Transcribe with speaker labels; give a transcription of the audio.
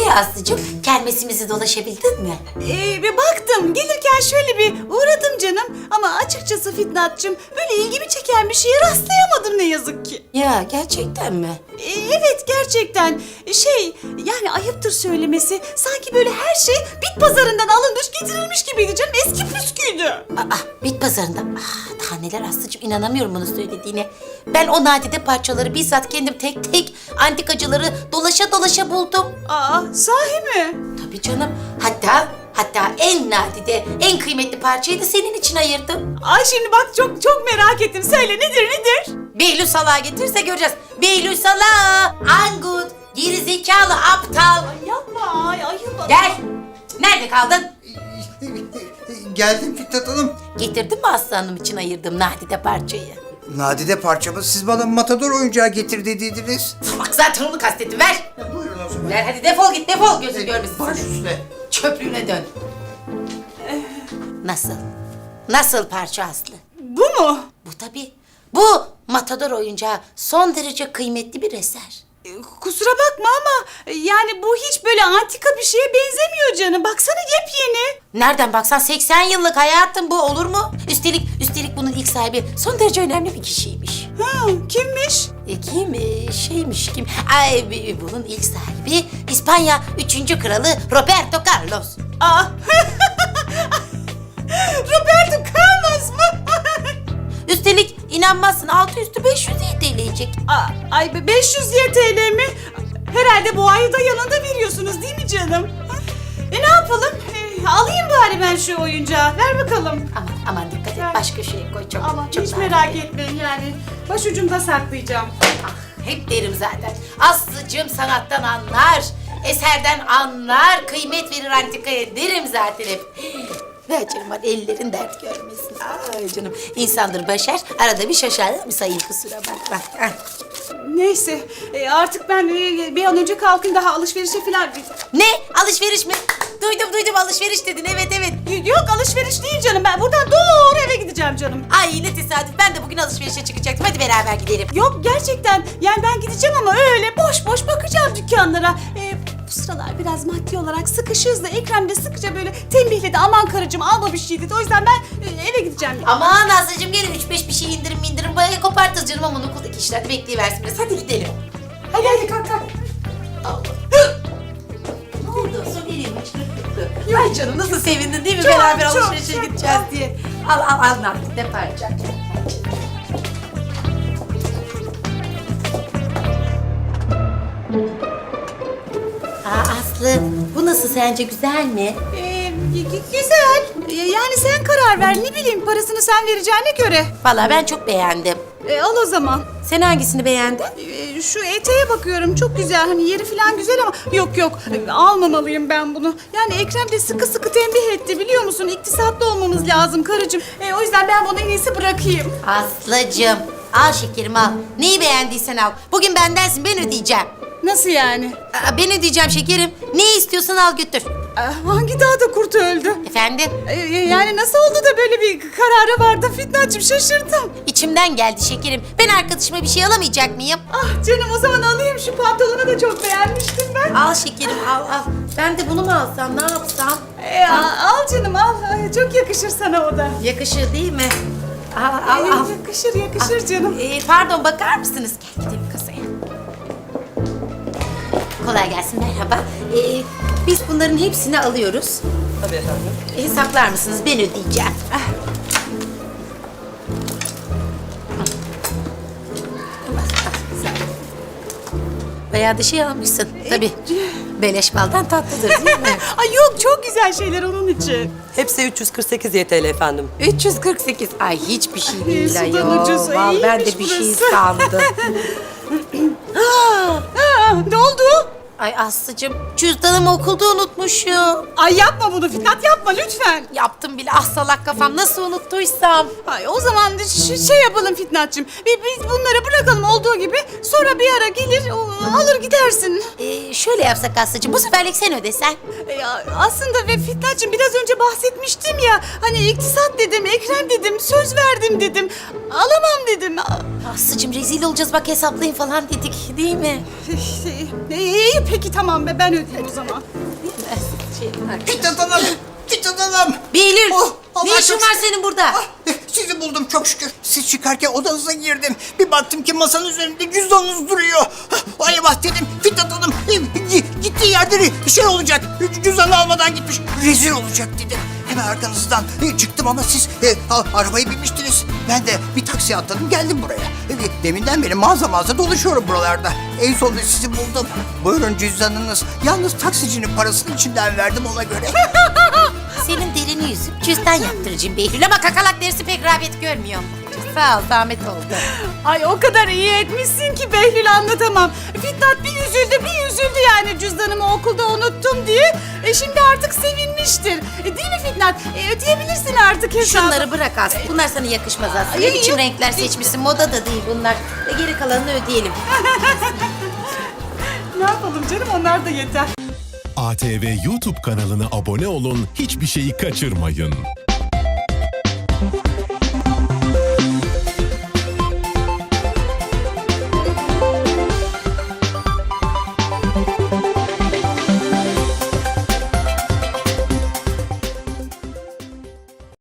Speaker 1: Aslı'cığım, kermesimizi dolaşabildin mi?
Speaker 2: Bir baktım, gelirken şöyle bir uğradım canım. Ama açıkçası Fitnatçım, böyle ilgimi çeken bir şeye rastlayamadım ne yazık ki.
Speaker 1: Ya gerçekten mi?
Speaker 2: Evet, gerçekten. Yani ayıptır söylemesi. Sanki böyle her şey bit pazarından alınmış, getirilmiş gibiydi canım. Eski püsküydü.
Speaker 1: Bit pazarında. Daha neler Aslı'cığım, inanamıyorum bunu söylediğine. Ben o nadide parçaları bizzat kendim tek tek antikacıları dolaşa dolaşa buldum.
Speaker 2: Sahi mi?
Speaker 1: Tabii canım. Hatta en nadide, en kıymetli parçayı da senin için ayırdım.
Speaker 2: Ay şimdi bak çok merak ettim. Söyle nedir?
Speaker 1: Behlül Salah'ı getirse göreceğiz. Behlül Salah, Angut, gerizekalı, aptal.
Speaker 2: Ay yapma, ayıp.
Speaker 1: Gel. Nerede kaldın?
Speaker 3: Geldim Fitnat Hanım.
Speaker 1: Getirdin mi Aslı Hanım için ayırdığım nadide parçayı?
Speaker 3: Nadide parçamı siz bana matador oyuncağı getir dediydiniz.
Speaker 1: Bak zaten onu kastettim, ver.
Speaker 3: Buyurun o zaman.
Speaker 1: Ver hadi, defol git, defol, gözün görmesin
Speaker 3: Baş
Speaker 1: seni.
Speaker 3: üstüne.
Speaker 1: Çöplüğüne dön. Nasıl? Nasıl parça Aslı?
Speaker 2: Bu mu?
Speaker 1: Bu tabii. Bu matador oyuncağı son derece kıymetli bir eser.
Speaker 2: Kusura bakma ama yani bu hiç böyle antika bir şeye benzemiyor canım. Baksana yepyeni.
Speaker 1: Nereden baksan 80 yıllık hayatım, bu olur mu? Üstelik bunun ilk sahibi son derece önemli bir kişiymiş.
Speaker 2: Kimmiş?
Speaker 1: Kim? Bunun ilk sahibi İspanya 3. kralı Roberto Carlos.
Speaker 2: Roberto Carlos mu?
Speaker 1: Üstelik inanmazsın, altı üstü 500 TL'yecek.
Speaker 2: Ay 500 YTL mi? Herhalde bu ayı da yanında veriyorsunuz değil mi canım? Ne yapalım? Alayım bari ben şu oyuncağı. Ver bakalım.
Speaker 1: Aman dikkat et, başka şeye koy, çok.
Speaker 2: Ama
Speaker 1: çok
Speaker 2: hiç
Speaker 1: daha
Speaker 2: merak
Speaker 1: iyi.
Speaker 2: etmeyin yani. Başucumda saklayacağım.
Speaker 1: Hep derim zaten. Aslıcığım sanattan anlar, eserden anlar, kıymet verir antikaya derim zaten hep. Ver canım, hadi ellerin dert görmesin. Ay canım, insandır başar, arada bir şaşar mı sayın, kusura bakma.
Speaker 2: Neyse artık ben bir an önce kalkayım, daha alışverişe falan.
Speaker 1: Ne? Alışveriş mi? Duydum, alışveriş dedin, evet.
Speaker 2: Yok alışveriş değil canım, ben buradan doğru eve gideceğim canım.
Speaker 1: Ay ne tesadüf, ben de bugün alışverişe çıkacaktım, hadi beraber gidelim.
Speaker 2: Yok gerçekten yani ben gideceğim ama öyle boş bakacağım dükkanlara. Bu sıralar biraz maddi olarak sıkışığız da Ekrem de sıkıca böyle tembihledi, aman karıcığım alma bir şey dedi. O yüzden ben eve gideceğim.
Speaker 1: Aman Aslıcığım, gelin 3-5 bir şey indirim bayağı kopartırız canım, ama okuldaki işler de bekleyiversin biraz, hadi gidelim.
Speaker 2: Hadi kalk.
Speaker 1: Ne oldu? Su vereyim mi? Ay canım, nasıl sevindin değil mi?
Speaker 2: Çok,
Speaker 1: Beraber
Speaker 2: çok,
Speaker 1: alışverişe
Speaker 2: çok,
Speaker 1: gideceğiz
Speaker 2: çok.
Speaker 1: diye. Al ne parça. Aslı, bu nasıl sence, güzel mi?
Speaker 2: Güzel. Yani sen karar ver, ne bileyim parasını sen vereceğine göre.
Speaker 1: Vallahi ben çok beğendim.
Speaker 2: Al o zaman.
Speaker 1: Sen hangisini beğendin?
Speaker 2: Şu eteğe bakıyorum, çok güzel, hani yeri falan güzel ama yok almamalıyım ben bunu. Yani Ekrem de sıkı tembih etti, biliyor musun? İktisatlı olmamız lazım karıcığım. O yüzden ben bunu en iyisi bırakayım.
Speaker 1: Aslıcığım, al şekerim al. Neyi beğendiysen al. Bugün bendensin, ben ödeyeceğim.
Speaker 2: Nasıl yani?
Speaker 1: Ben ödeyeceğim şekerim. Ne istiyorsan al götür.
Speaker 2: Hangi dağda kurt öldü?
Speaker 1: Efendim?
Speaker 2: Yani nasıl oldu da böyle bir karara vardı Fitnacığım, şaşırdım.
Speaker 1: İçimden geldi şekerim. Ben arkadaşıma bir şey alamayacak mıyım?
Speaker 2: Ah canım, o zaman alayım, şu pantolonu da çok beğenmiştim ben.
Speaker 1: Al şekerim al. Ben de bunu mu alsam, ne yapsam?
Speaker 2: Al canım al. Çok yakışır sana o da.
Speaker 1: Yakışır değil mi? Al.
Speaker 2: Yakışır canım.
Speaker 1: Pardon, bakar mısınız? Gel gidelim kasaya. Kolay gelsin, merhaba. Biz bunların hepsini alıyoruz.
Speaker 4: Tabii efendim.
Speaker 1: Hesaplar mısınız? Ben ödeyeceğim. Bayağı da şey almışsın. Tabii. Beleş baldan tatlıdır değil mi?
Speaker 2: Ay yok, çok güzel şeyler onun için.
Speaker 4: Hepsi 348 YTL efendim.
Speaker 1: 348. Ay hiçbir şey değil
Speaker 2: sudan
Speaker 1: ayol.
Speaker 2: ucuz.
Speaker 1: Vallahi ben de
Speaker 2: İyiymiş
Speaker 1: bir şey
Speaker 2: burası.
Speaker 1: sandım.
Speaker 2: Ne oldu?
Speaker 1: Ay Aslıcığım, cüzdanımı okulda unutmuşum.
Speaker 2: Ay yapma bunu Fitnat, yapma lütfen.
Speaker 1: Yaptım bile, ah salak kafam, nasıl unuttuysam.
Speaker 2: Ay o zaman şey yapalım Fitnatçığım. Biz bunları bırakalım olduğu gibi. Sonra bir ara gelir alır gidersin.
Speaker 1: Şöyle yapsak Aslıcığım, bu seferlik sen ödesen.
Speaker 2: Aslında ve Fitnatçığım biraz önce bahsetmiştim ya. Hani iktisat dedim, Ekrem dedim, söz verdim dedim. Alamam dedim.
Speaker 1: Aslıcığım rezil olacağız bak, hesaplayın falan dedik değil mi?
Speaker 2: İyi Peki tamam be, ben ödeyeyim o zaman.
Speaker 3: Fitnat Hanım! Fitnat Hanım!
Speaker 1: Behlül,
Speaker 3: Allah
Speaker 1: ne işin
Speaker 3: çok
Speaker 1: var
Speaker 3: şükür.
Speaker 1: senin burada?
Speaker 3: Ah, sizi buldum çok şükür. Siz çıkarken odanıza girdim. Bir baktım ki masanın üzerinde cüzdanınız duruyor. Ay eyvah dedim. Fitnat Hanım gittiği yerde şey olacak. Cüzdanı almadan gitmiş. Rezil olacak dedim. Hemen arkanızdan çıktım ama siz arabayı binmiştiniz. Ben de bir taksiye atladım geldim buraya. Deminden beri mağaza dolaşıyorum buralarda. En sonunda sizi buldum. Buyurun cüzdanınız. Yalnız taksicinin parasını içinden verdim ona göre.
Speaker 1: Senin derini yüzüp cüzdan yaptıracağım Behlül ama kakalak dersi pek rağbet görmüyorum. Sağ ol, zahmet oldu.
Speaker 2: Ay o kadar iyi etmişsin ki Behlül, anlatamam. Fitnat bir üzüldü yani cüzdanımı okulda unuttum diye. Şimdi artık sevinmiştir. Değil mi Fitnat? Ödeyebilirsin artık hesabı.
Speaker 1: Şunları bırak Aslı. Bunlar sana yakışmaz Aslı. Ne
Speaker 2: Ay,
Speaker 1: biçim
Speaker 2: yok.
Speaker 1: renkler seçmişsin? Moda da değil bunlar. Geri kalanını ödeyelim.
Speaker 2: Ne yapalım canım, onlar da yeter.
Speaker 5: ATV YouTube kanalına abone olun, hiçbir şeyi kaçırmayın.